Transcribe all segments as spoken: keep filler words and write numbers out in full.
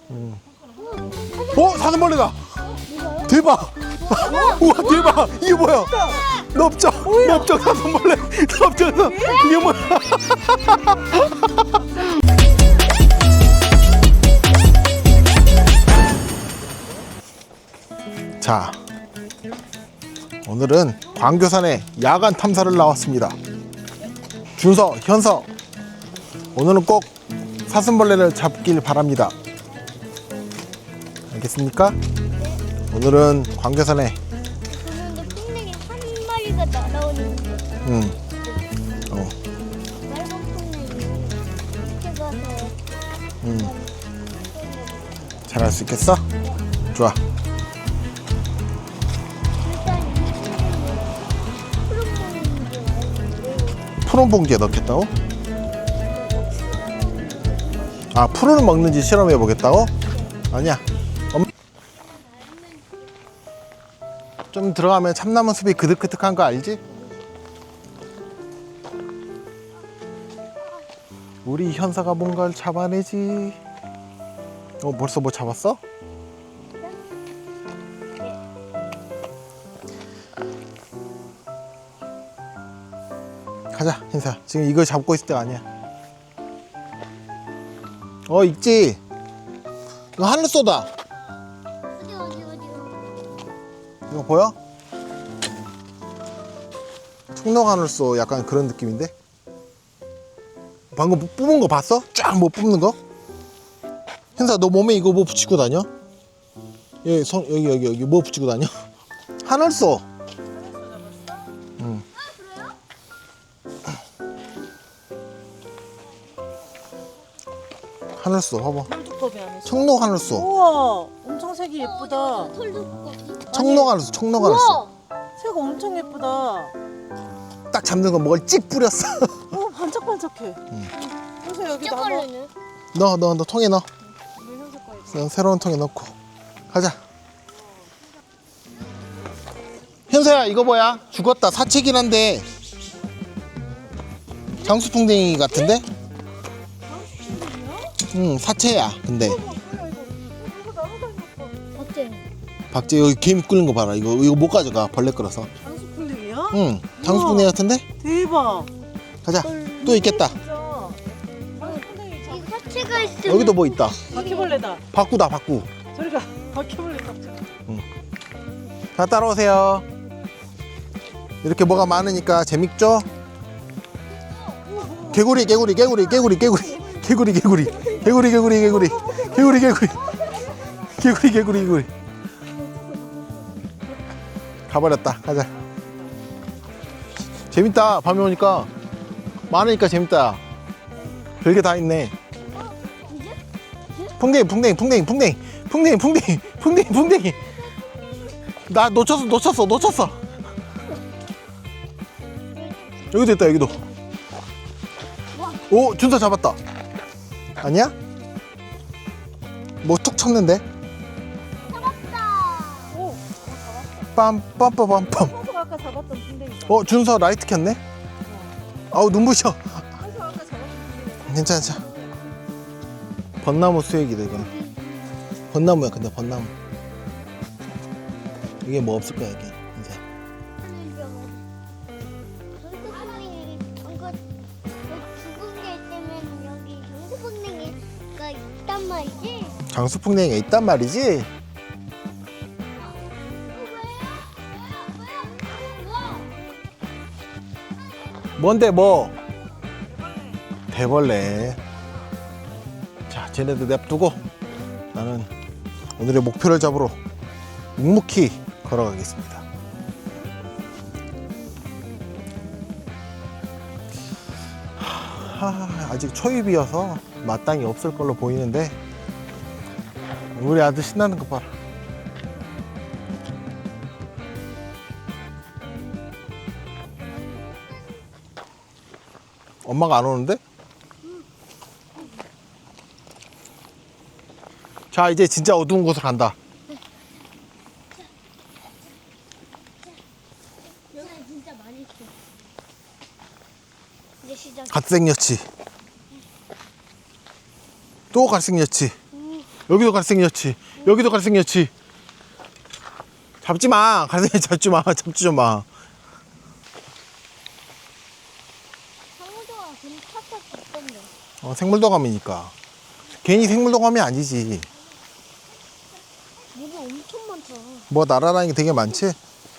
음. 어? 사슴벌레다! 대박! 우와 대박! 이게 뭐야? 넓적! 넓적 사슴벌레! 넓적 사 이게 뭐야? 자, 오늘은 광교산에 야간 탐사를 나왔습니다. 준서, 현서, 오늘은 꼭 사슴벌레를 잡길 바랍니다. 알겠습니까? 오늘은 광교산에 그런데 풍뎅이 한 마리가 날아오는데 음, 어, 빨간 풍뎅이 이렇게 가서 음, 잘할 수 있겠어? 좋아. 일단 이 풍뎅이 푸른 봉지에 넣는데 푸른 봉지에 넣겠다고? 아, 푸른을 먹는지 실험해 보겠다고? 아니야. 엄... 좀 들어가면 참나무 숲이 그득그득한 거 알지? 우리 현사가 뭔가를 잡아내지. 어, 벌써 뭐 잡았어? 가자, 현사. 지금 이걸 잡고 있을 때가 아니야. 어, 있지? 이거 하늘소다. 어디 어디 어디 이거 보여? 청록하늘소 약간 그런 느낌인데? 방금 뭐 뽑은 거 봤어? 쫙 뭐 뽑는 거? 현사 너 몸에 이거 뭐 붙이고 다녀? 여기 손 여기 여기 여기 뭐 붙이고 다녀? 하늘소. 응. 하늘소 봐봐. 털두꺼비 안에 있어. 청록 하늘소. 우와, 엄청 색이 예쁘다. 털두꺼비 청록 하늘소. 청록 하늘소. 색 엄청 예쁘다. 딱 잡는 거 뭘 찍 뿌렸어. 어, 반짝반짝해. 그래서 여기다 한번 ጨ벌레는 넣어 넣어 넣어 통에 넣어. 물현색 거에 그냥 새로운 통에 넣고 가자. 현서야 이거 뭐야? 죽었다. 사체긴 한데 장수풍뎅이 같은데? 응 사체야. 근데 이거 나무 닮았어. 어때? 박재 여기 개미 끓는 거 봐라. 이거 이거 못 가져가. 벌레 끌어서. 장수풍뎅이야? 응 장수풍뎅이 같은데? 대박. 가자. 또 있겠다. 진짜. 장수풍뎅이 장... 이 사체가 있으면 여기도 뭐 있다. 바퀴벌레다. 바꾸다 바꾸. 저리가 바퀴벌레 다. 자 따라오세요. 이렇게 뭐가 많으니까 재밌죠? 개구리 개구리 개구리 개구리 개구리 개구리 개구리 개구리 개구리 개구리 개구리 개구리 개구리 개구리 개구리 가버렸다. 가자. 재밌다. 밤에 오니까 많으니까 재밌다. 별게 다 있네. 풍뎅이 풍뎅이 풍뎅이 풍뎅이 풍뎅이 풍뎅이 풍뎅이 풍뎅이 나 놓쳤어 놓쳤어 놓쳤어. 여기도 있다. 여기도. 오 준서 잡았다. 아니야? 뭐 툭 쳤는데? 오, 빰빰빰빰빰. 현수가 아까 잡았던 풍뎅이다. 어 준서 라이트 켰네? 아우 눈부셔. 현수가 아까 잡았던 풍뎅이. 괜찮아 괜찮아. 벚나무 수액이다 이건. 벚나무야. 근데 벚나무 이게 뭐 없을 거야 이게 이제. 죽은 게 있다면 여기 장수풍뎅이가 있단 말이지? 장수풍뎅이가 있단 말이지. 뭔데 뭐? 대벌레. 자, 쟤네들 냅두고 나는 오늘의 목표를 잡으러 묵묵히 걸어가겠습니다. 하, 아직 초입이어서 마땅히 없을 걸로 보이는데 우리 아들 신나는 거 봐라. 엄마가 안 오는데? 자 이제 진짜 어두운 곳으로 간다. 여기 진짜 많이 있어. 이제 시작. 갓생여치. 또 갓생여치. 여기도 갈색여치. 여기도 갈색여치. 잡지 마. 갈색여치 잡지 마. 잡지 좀 마. 상호조가 그럼 탁탁 있던데. 어, 생물도감이니까. 괜히 생물도감이 아니지. 물이 엄청 많다. 뭐 날아다니는 게 되게 많지?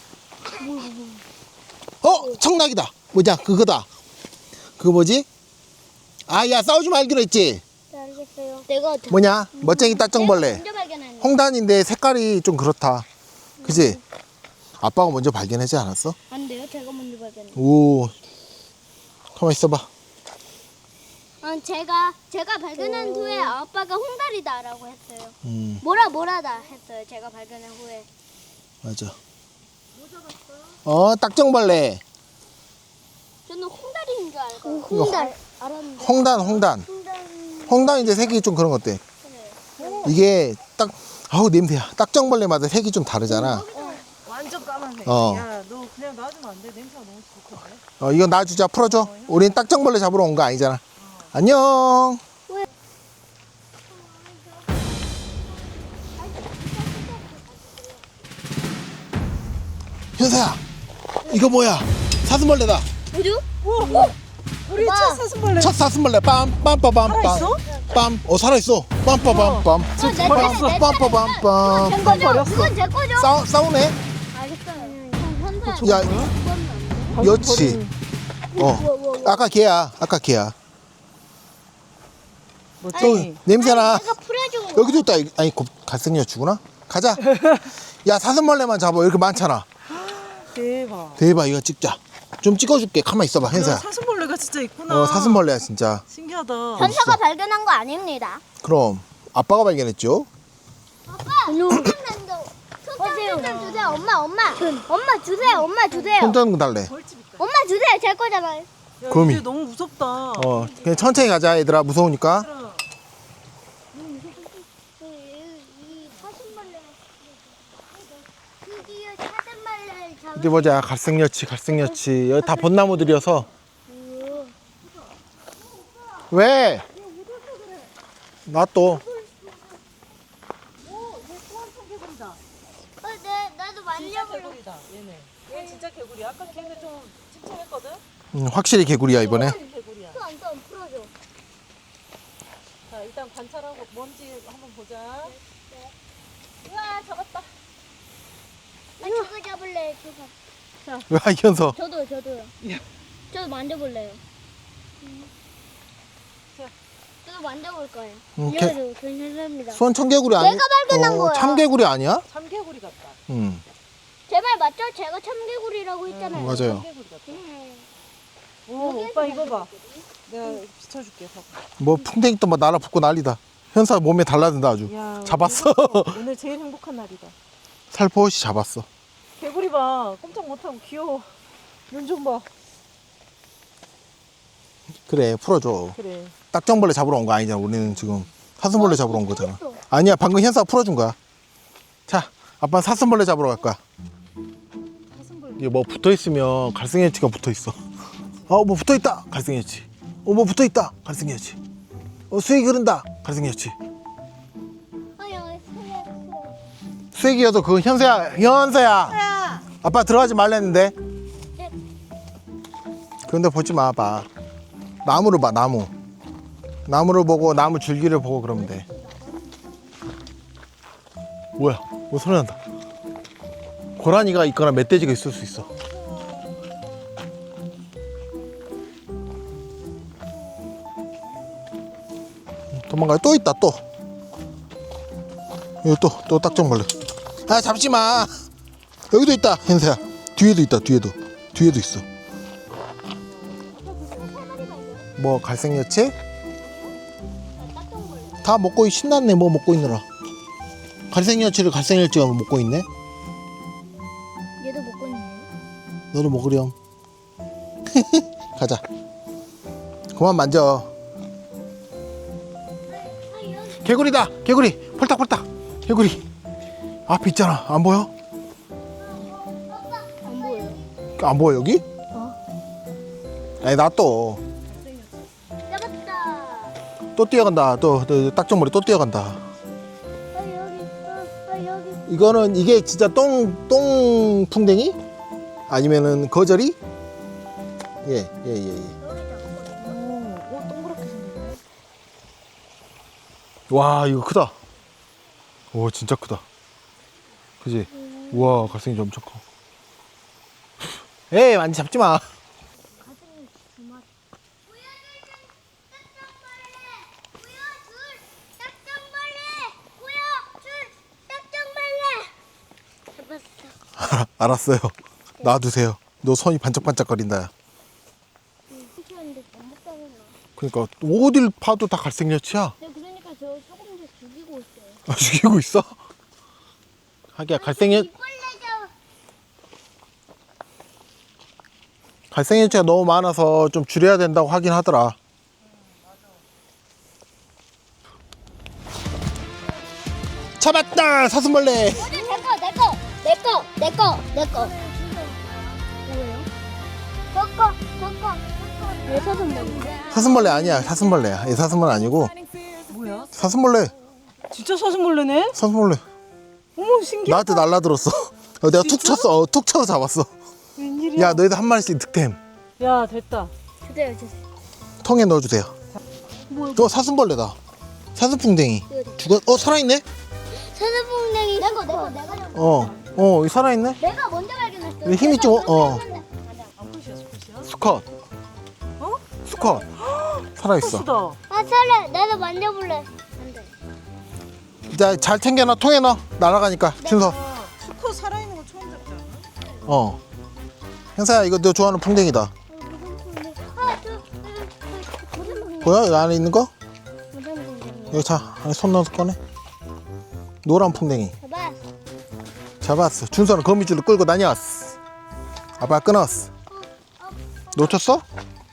어, 청락이다. 뭐냐, 그거다. 그거 뭐지? 아, 야, 싸우지 말기로 했지? 네, 알겠어요. 내가 뭐냐? 멋쟁이 따청벌레. 먼저 발견했네. 홍단인데 색깔이 좀 그렇다. 그지? 아빠가 먼저 발견하지 않았어? 안 돼요. 제가 먼저 발견했네. 오, 가만 있어봐. 아, 제가 제가 발견한 후에 아빠가 홍다리다라고 했어요. 음, 뭐라 뭐라다 했어요. 제가 발견한 후에. 맞아. 어, 딱정벌레. 저는 홍다리인 줄 알고. 이거 홍달 알았는데. 홍단, 홍단. 홍달. 홍단 이제 색이 좀 그런 것 같아. 이게 딱, 아우, 냄새야. 딱정벌레 마다 색이 좀 다르잖아. 완전 까만해. 어. 야, 너 그냥 놔주면 안 돼. 냄새가 너무 좋던데. 어, 이거 놔주자, 풀어줘. 우린 딱정벌레 잡으러 온 거 아니잖아. 안녕. 현사야, 이거 뭐야? 사슴벌레다. 뭐죠? 우와, 우리 오빠. 첫 사슴벌레. 첫 사슴벌레. 빰빰빠밤빰. 살아있어? 빰. 어, 살아있어. 빰빠밤빰. 어, 내 차례, 내 빰빠밤빰. 제 거죠? 버렸어. 그건 제 거죠? 싸우, 싸우네. 알겠어요. 현사. 야, 여치. 어, 아까 걔야. 아까 걔야. 또 멋쟁이. 냄새나. 내가 풀어준 거. 여기도 있다. 아니, 곱- 갈색여치구나. 가자. 야, 사슴벌레만 잡아. 이렇게 많잖아. 대박. 대박, 이거 찍자. 좀 찍어줄게. 가만 있어봐, 야, 현사야. 사슴벌레가 진짜 있구나. 어, 사슴벌레야, 진짜. 신기하다. 현사가 발견한 거 아닙니다. 그럼 아빠가 발견했죠. 아빠. 손전등 주세요. 엄마, 엄마. 엄마 주세요. 엄마 주세요. 손전등 달래. 벌집 있다. 엄마 주세요. 제 거잖아요. 야, 거미. 이제 너무 무섭다. 어, 그냥 천천히 가자, 얘들아. 무서우니까. 얘들아, 이 사슴벌레. 드디어 사슴벌레를 잡았. 어디 보자. 갈색여치, 갈색여치. 여기 다 벚나무들이어서. 왜? 나 또. 어, 내 나도 진짜 만져볼래. 개구리다. 얘네. 얘 진짜 개구리야. 아까 걔네 좀 찝찝했거든. 음, 확실히 개구리야, 이번에. 개구리야. 또 안 또 안 풀어줘. 자, 일단 관찰하고 먼지 한번 보자. 우와, 잡았다. 나 저거 잡을래. 저거. 왜, 현서? 저도 저도요. 저도 만져볼래요. 자. 저도 만져볼 거예요. 음, 개- 이래도 괜찮습니다. 수원 청개구리 아니야? 내가 발견한 거야. 참개구리 아니야? 참개구리 같다. 응. 제 말 맞죠? 제가 참개구리라고 했잖아요. 맞아요. 참개구리 같다. 음. 오, 오빠 이거 봐. 내가 비춰줄게. 봐봐. 뭐 풍뎅이 또 막 날아붙고 난리다. 현사 몸에 달라든다 아주. 야, 잡았어. 오늘, 오늘 제일 행복한 날이다. 살포시 잡았어. 개구리 봐. 꼼짝 못하고 귀여워. 눈 좀 봐. 그래, 풀어줘. 그래. 딱정벌레 잡으러 온 거 아니잖아. 우리는 지금 사슴벌레 잡으러 온 거잖아. 풀었어. 아니야, 방금 현사가 풀어준 거야. 자, 아빠는 사슴벌레 잡으러 갈 거야. 사슴벌레. 이게 뭐 붙어 있으면 갈색여치가 붙어 있어. 어, 뭐 붙어 있다. 갈색여치. 어, 뭐 붙어 있다. 갈색여치. 어, 수액이 흐른다. 갈색여치. 아 여기 소리야. 수액이어도 그건 현서야. 현서야. 야! 아빠 들어가지 말랬는데. 그런데 보지 마, 봐. 나무를 봐, 나무. 나무를 보고 나무 줄기를 보고 그러면 돼. 뭐야? 뭐 소리 난다. 고라니가 있거나 멧돼지가 있을 수 있어. 도망가요. 또 있다, 또. 여기 또, 또 딱정벌레. 아, 잡지 마. 여기도 있다, 현서야. 뒤에도 있다, 뒤에도. 뒤에도 있어. 뭐, 갈색여치? 다 먹고 있- 신났네, 뭐 먹고 있느라. 갈색여치를 갈색여치가 먹고 있네. 얘도 먹고 있네. 너도 먹으렴. 가자. 그만 만져. 아 여기 개구리다, 개구리. 폴딱폴딱. 개구리. 앞에 있잖아. 안 보여? 안 보여요. 안 보여, 여기? 어. 아니, 나 또. 잡았다. 또 뛰어간다. 또, 또 딱정머리 또 뛰어간다. 아, 여기. 이거는 이게 진짜 똥, 똥풍뎅이? 아니면은 거저리? 예, 예, 예, 예. 오, 오 동그랗게 생겼네. 와, 이거 크다. 오, 진짜 크다. 그지? 우와, 갈색이 엄청 커. 에이, 많이 잡지 마. 가슴이 두 마리. 잡았어. 알았어요. 놔두세요. 너 손이 반짝반짝거린다. 야. 시키는데 너무 따르나. 그러니까 어딜 봐도 다 갈색 여치야. 네, 그러니까 저 조금씩 죽이고 있어요. 아, 죽이고 있어? 하기야, 갈색 여, 이빨레자. 갈색 여치가 너무 많아서 좀 줄여야 된다고 하긴 하더라. 잡았다! 사슴벌레! 어디 내거 내거 내거 내거 내거. 뭐예요? 저거 저거 왜 사슴벌레? 사슴벌레 아니야. 사슴벌레야. 얘 사슴은 아니고 뭐야? 사슴벌레. 진짜 사슴벌레네? 사슴벌레. 어머 신기해. 나한테 날라들었어. 어, 내가 툭 쳤어. 어, 툭 쳐서 잡았어. 웬일이야? 야, 너희들 한 마리씩 득템. 야 됐다. 주세요 주세요. 통에 넣어주세요. 뭐야? 저 사슴벌레다. 사슴풍뎅이. 죽었, 어, 살아있네? 사슴풍뎅이. 내거 내거 내가 잡- 어, 어, 살아있네? 내가 먼저 발견했어. 근데 힘이 좀, 어. 아 푸시야 푸시야. 수컷. 어? 수컷. 살아있어. 푸시다. 아 살래. 나도 만져볼래. 안 돼. 자, 잘 챙겨놔. 통에 넣어. 날아가니까. 준서. 아, 수컷 살아있는 거 처음 잡지 않아? 어. 형사야, 이거 너 좋아하는 풍뎅이다. 어, 무슨 풍뎅이? 아, 저, 저, 저, 무슨 풍뎅이? 보여? 여기 안에 있는 거? 무슨 풍뎅이? 여기 자, 안에 손 넣어서 꺼내. 노란 풍뎅이. 봐봐. 잡았어. 준서는 거미줄로 끌고 다녔어. 아빠 끊었어. 놓쳤어?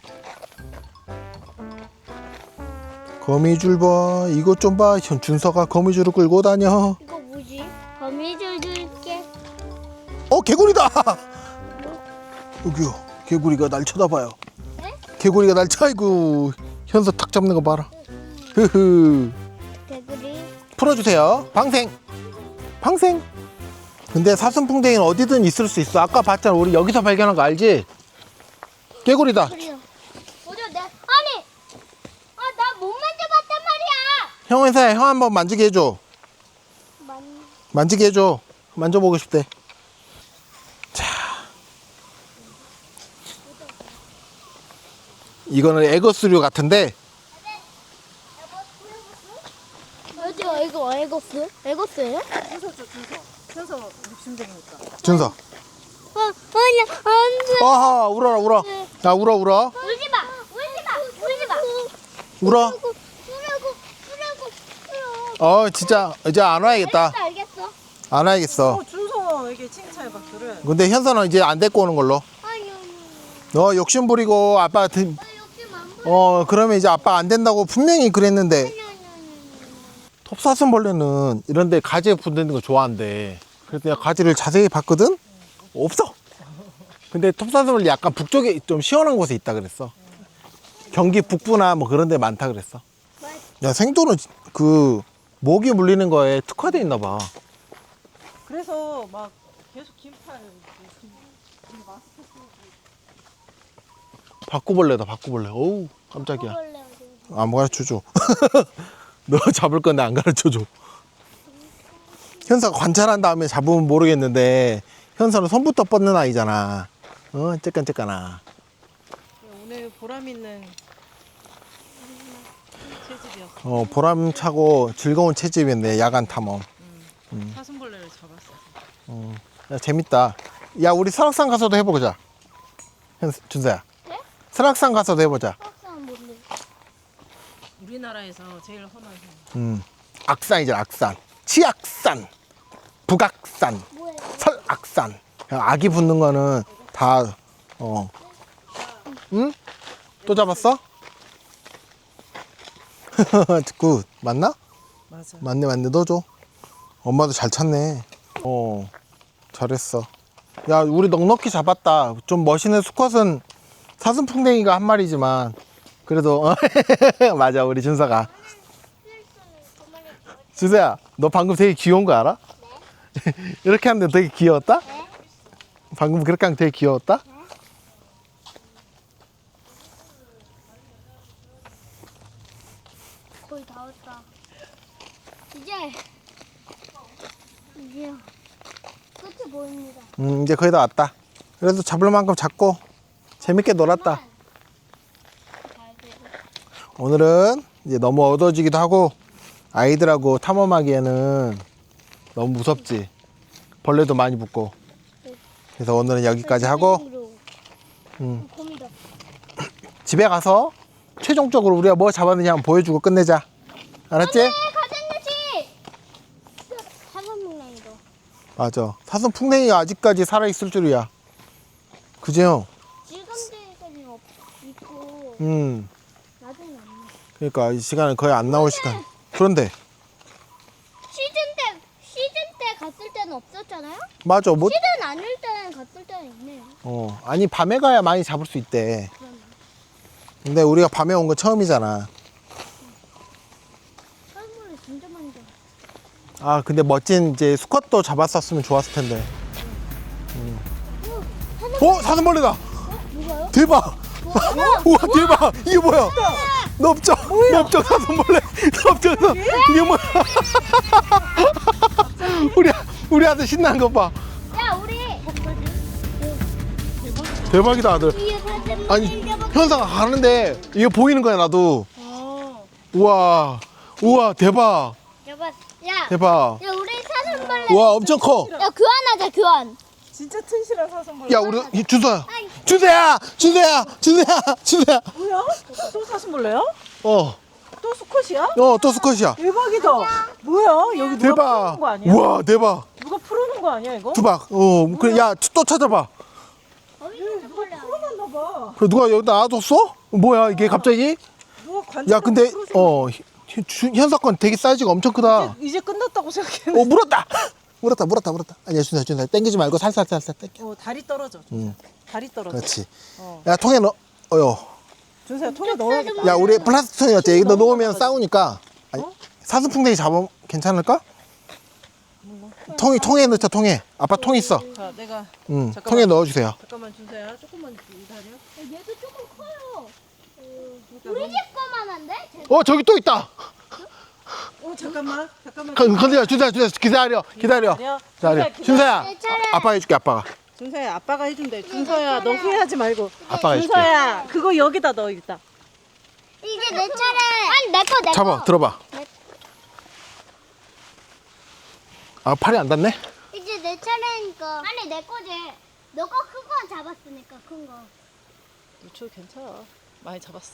거미줄 봐. 이것 좀 봐. 현 준서가 거미줄을 끌고 다녀. 이거 뭐지? 거미줄 줄게. 어, 개구리다. 여기요. 개구리가 날 쳐다봐요. 네? 개구리가 날 쳐. 아이고. 현서 탁 잡는 거 봐라. 흐흐. 개구리. 풀어주세요. 방생. 방생. 근데 사슴풍뎅이는 어디든 있을 수 있어. 아까 봤잖아. 우리 여기서 발견한 거 알지? 개구리다. 그래요. 뭐죠? 내 아니. 아, 나 못 만져봤단 말이야. 형 회사에 형 한번 만지게 해줘. 만. 만지게 해줘. 만져보고 싶대. 자. 이거는 에거스류 같은데. 어디요? 이거 에거스? 에거스예요? 준서 줘 준서. 준서 욕심쟁이니까. 준서. 어, 아니야, 안 돼. 아하, 울어라, 울어. 야, 울어, 울어. 울지 마, 울지 마, 울지 마. 울어. 울라고, 울라고, 울라고. 어, 진짜, 이제 안 와야겠다. 알겠어, 알겠어. 안 와야겠어. 어 준서에게 칭찬해봐 그래. 근데 현서는 이제 안 데리고 오는 걸로. 아니, 아니. 너 욕심 부리고 아빠, 드- 나 욕심 안 부려. 어, 그러면 이제 아빠 안 된다고 분명히 그랬는데. 아니, 아니, 아니. 톱사슴벌레는 이런데 가지에 붙는 거 좋아한대. 그래서 내가 가지를 자세히 봤거든? 없어. 근데 톱사슴벌레 약간 북쪽에 좀 시원한 곳에 있다 그랬어. 경기 북부나 뭐 그런 데 많다 그랬어. 야, 생도는 그 모기 물리는 거에 특화돼 있나 봐. 그래서 막 계속 긴팔 김, 김 마스크 쓰고. 바꾸벌레다, 바꾸벌레. 어우, 깜짝이야. 먹을래, 어디. 안 가르쳐줘. 너 잡을 건데 안 가르쳐줘. 현서가 관찰한 다음에 잡으면 모르겠는데 현서는 손부터 뻗는 아이잖아. 어, 쬐깐쬐깐아. 오늘 보람 있는 채집이었어. 어, 보람차고 즐거운 채집인데 야간 탐험. 사슴벌레를 잡았어. 어, 야, 재밌다. 야, 우리 설악산 가서도 해보자. 현, 준서야. 네? 설악산 가서도 해보자. 석상 뭔데? 우리나라에서 제일 흔한 산. 음, 악산이잖아, 악산. 치악산, 북악산, 뭐야? 설악산. 야, 아기 붙는 거는 다, 어. 응? 또 잡았어? 굿. 맞나? 맞아. 맞네, 맞네. 너 줘. 엄마도 잘 찾네. 어, 잘했어. 야, 우리 넉넉히 잡았다. 좀 멋있는 수컷은 사슴풍뎅이가 한 마리지만, 그래도, 맞아, 우리 준서가. 준서야, 너 방금 되게 귀여운 거 알아? 네? 이렇게 하는데 되게 귀여웠다? 네. 방금 그렇게 하면 되게 귀여웠다? 거의 다 왔다. 이제 이제 끝이 보입니다. 음, 이제 거의 다 왔다. 그래도 잡을 만큼 잡고 재밌게 놀았다. 오늘은 이제 너무 어두워지기도 하고 아이들하고 탐험하기에는 너무 무섭지. 벌레도 많이 붙고. 그래서 오늘은 여기까지 하고 음, 곰이다. 집에 가서 최종적으로 우리가 뭐 잡았느냐 한번 보여주고 끝내자. 알았지? 네, 가생유치. 사과문양이도. 맞아. 사슴 풍뎅이가 아직까지 살아있을 줄이야. 그지 형? 지금까지는 없 있고 음. 나중에 없네. 그러니까 이 시간은 거의 안 나올 시간. 그런데 시즌 때 시즌 때 갔을 때는 없었잖아요. 맞아. 뭐 시즌 아닐 때는 갔을 때는 있네요. 어, 아니 밤에 가야 많이 잡을 수 있대. 그러네. 근데 우리가 밤에 온 건 처음이잖아. 사물이 진짜 많이 잡았어. 아 근데 멋진 이제 수컷도 잡았었으면 좋았을 텐데. 음. 어 사슴벌레다. 누가요? 대박. 우와 대박. 이게 뭐야? 넓적 넓적 사슴벌레. 넓적 사 이게 뭐야? 우리 우리 아들 신나는 거 봐. 야 우리 대박이다 아들. 위에 사슴 아니 현사가 가는데 이게 보이는 거야 나도. 아, 우와 우와 대박 여봐 야. 대박. 야 우리 사슴벌레. 우와 엄청 커. 야 교환하자 교환. 진짜 튼실한 사슴벌레. 야 우리 이 준서야 준서야 준서야 준서야 준서야 뭐야? 또 사슴벌레야? 어어또 또 수컷이야? 수컷이야. 대박이다. 뭐야? 여기 누가 대박. 풀어놓은 거 아니야? 우와 대박. 누가 풀어놓은 거 아니야 이거? 두박. 어 그래 야 또 찾아봐. 어이 누가 사슴벌레. 풀어놨나 봐. 그래 누가 여기다 놔뒀어? 뭐야 이게 갑자기? 누가 관절. 야 근데 어 현- 주- 현사 건 되게 사이즈가 엄청 크다. 이제, 이제 끝났다고 생각했는데. 어 물었다 물었다 물었다 물었다. 아니야 준서야 준서야 땡기지 말고 살살 살살 땡겨. 어, 다리 떨어져. 응 다리 떨어져. 그렇지. 어. 야 통에 넣어. 어여. 준서야 통에 넣어야겠다. 야 우리 플라스틱 통이었지. 여기다 놓으면 싸우니까. 아니, 어? 사슴풍뎅이 잡으면 괜찮을까? 통이 통에 넣자 통에. 아빠 통 있어. 자, 내가 응 잠깐만. 통에 넣어주세요. 잠깐만 준서야 조금만 기다려. 얘도 조금 커요. 우리 집 거만한데? 어 저기 또 있다. 어 잠깐만 잠깐만. 건드려 준서야 준서야 기다려 기다려. 기다려. 기다려. 기다려. 준서야 내 차례. 아, 아빠가 해줄게 아빠가. 준서야 아빠가 해준대. 준서야 너 후회하지 말고. 아빠가 해줄게. 준서야 그거 여기다 넣어 일단. 이제 내 차례. 아니 내 거 내 거. 잡아 들어봐. 아 팔이 안 닿네. 이제 내 차례니까. 아니 내 거지. 너가 큰 거 잡았으니까 큰 거. 유초 괜찮아. 많이 잡았어.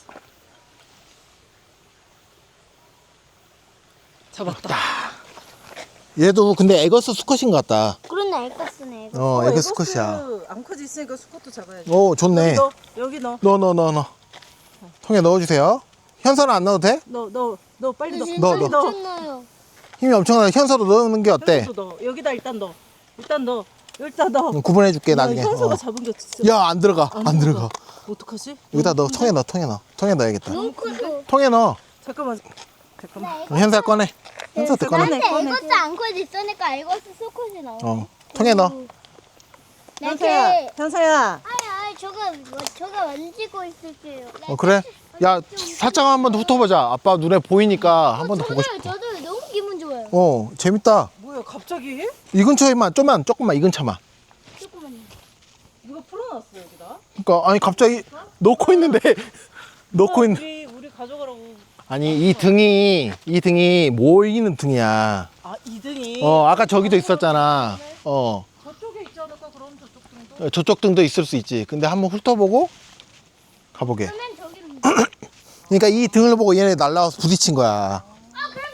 잡았다. 얘도 근데 에거스 수컷인 것 같다. 그러네 에거스네 에거스. 어 어, 에거스 수컷이야. 에거스 암컷이 있으니까 수컷도 잡아야지. 오 좋네. 넣어. 여기 넣어. 넣어 넣어 넣어 넣어. 통에 넣어주세요. 현서는 안 넣어도 돼? 넣어 넣어 넣어 빨리 넣어. 넣어, 빨리 넣어. 넣어. 넣어요. 힘이 엄청나게 현서도 넣는 게 어때? 현서도 넣어. 여기다 일단 넣어. 일단 넣어. 일단 넣어. 응, 구분해줄게 나중에. 현서가 어. 잡은 게 진짜. 야 안 들어가 안 들어가. 어떡하지? 여기다 넣어 통에 넣어 통에 넣어 통에 넣어야겠다. 너무 커서. 통에 넣어. 잠깐만. 잠깐만. 어, 현서 꺼내. 현서도 꺼내. 근데 꺼내. 에거스 암컷 있으니까 에거스 수컷이 나와. 어 통에 넣어. 현서야. 네. 현서야. 아니 아니 저거 뭐, 저거 만지고 있을게요. 어 그래? 야 살짝 한 번 더 훑어보자. 아빠 눈에 보이니까 한 번 더 보고 저도요, 싶어. 저도 너무 기분 좋아요. 어 재밌다. 뭐야 갑자기? 이 근처에만 좀만 조금만 이 근처만. 조금만요. 누가 풀어놨어 여기다? 그러니까 아니 갑자기 놓고 있는데 놓고 있는. 우리 우리 가져가라고. 아니 이 등이 이 등이 모이는 등이야. 아 이등이. 어 아까 저기도 있었잖아. 어 저쪽에 있지 않을까 그럼 저쪽 등도? 저쪽 등도 있을 수 있지. 근데 한번 훑어보고 가보게. 그러면 저기로. 그러니까 이 등을 보고 얘네 날라와서 부딪힌 거야. 아 그럼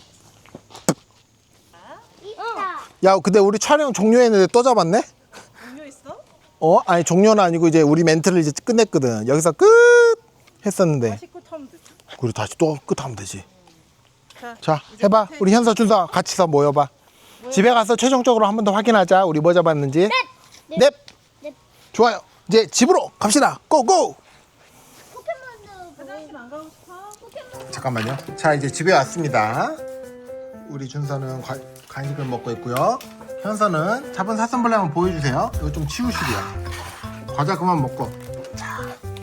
저기 있다. 야 근데 우리 촬영 종료했는데 또 잡았네? 동료 있어? 어? 아니 종료는 아니고 이제 우리 멘트를 이제 끝냈거든. 여기서 끝 했었는데 다시 끝 하면 되지. 그리고 다시 또 끝하면 되지. 자, 자 해봐. 우리 현서 준서 같이서 모여봐. 집에 가서 최종적으로 한 번 더 확인하자. 우리 뭐 잡았는지. 넵. 넵. 좋아요. 이제 집으로 갑시다. 고고. 포켓몬도 화장실 안 가고 싶어? 포켓몬. 잠깐만요. 자 이제 집에 왔습니다. 우리 준서는 과- 간식을 먹고 있고요. 현서는 잡은 사슴벌레 한번 보여주세요. 이거 좀 치우시고요. 과자 그만 먹고. 자,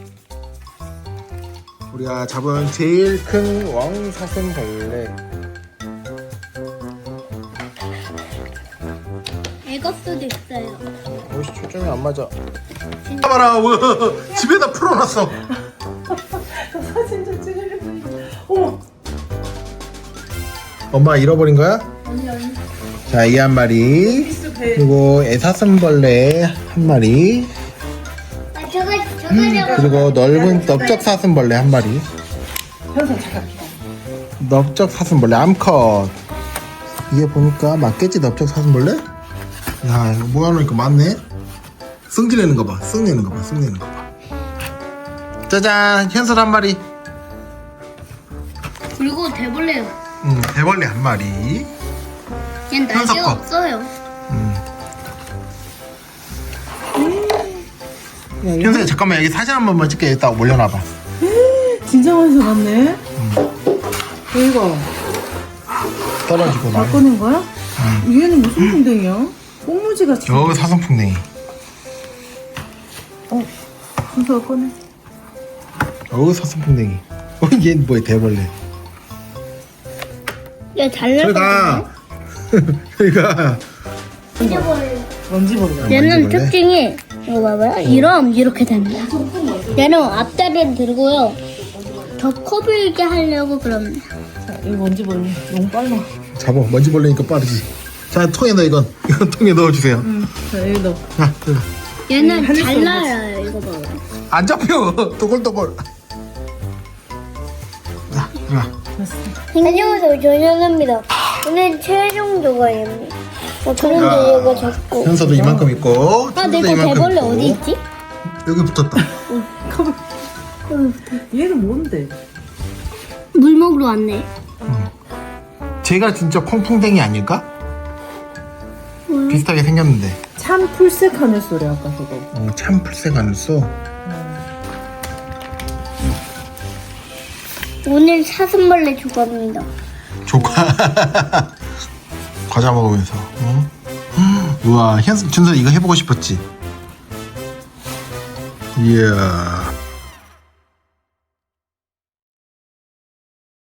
우리가 잡은 제일 큰 왕사슴벌레. 애걸 수도 있어요. 옷이 초점이 안 맞아. 봐봐라, 뭐, 집에다 풀어놨어. 사진 좀 찍으려고. 어머. 엄마 잃어버린 거야? 아니 아니. 자, 이 한 마리. 있어 배. 그리고 애사슴벌레 한 마리. 아, 저거 저거 그리고 넓은 넓적 사슴벌레 한 마리. 현서 잠깐 기다려. 넓적 사슴벌레 암컷. 이게 보니까 맞겠지, 넓적 사슴벌레? 야, 이거 모아놓으니까 맞네. 승질내는 거 봐, 승내는 거 봐, 승내는 거 봐. 짜잔, 현설 한 마리. 그리고 대벌레요. 음, 대벌레 한 마리. 얘는 날개가 현석 거. 없어요. 음. 야, 현석이 잠깐만 여기 사진 한 번만 찍게. 여기다 올려놔봐. 진짜 많이 잡았네. 이거 떨어지고 나. 바꾸는 거야? 얘는 무슨 풍뎅이야? 꽁무지 같이. 저 사슴풍뎅이. 어, 현서가 꺼내. 어, 사슴풍뎅이. 어, 얘 뭐야, 대벌레. 얘잘 저기 가. 저기가. 날개벌레. 먼지 버려. 얘는 만져볼래? 특징이 이거 봐봐요. 이러면 이렇게 됩니다. 얘는 앞다리를 들고요. 더 커 보이게 하려고 그럽니다. 자, 이거 먼지 버려. 너무 빨라. 잡아. 먼지 벌레니까 빠르지. 자, 통에 넣어, 이건. 이건 통에 넣어주세요. 응. 자, 여기 넣어. 자, 들어가. 얘는 하늘색 잘 날아요. 이거 봐봐요. 안 잡혀. 또골또골. 자, 들어가. 안녕하세요. 조현우입니다. 오늘 최종 조과입니다. 어, 그런데 얘가 자꾸. 현서도 이만큼 있고. 아, 내 현서도 거 이만큼 대벌레 있고. 어디 있지? 여기 붙었다. 얘는 뭔데? 물 먹으러 왔네. 제가 진짜 콩풍뎅이 아닐까? 비슷하게 생겼는데. 참 풀색 하늘 소리 아까 저거. 어, 참 풀색 안써. 오늘 사슴벌레 조과입니다. 조카. 과자 먹으면서. 어? 우와, 현수, 준서 이거 해보고 싶었지? 이야.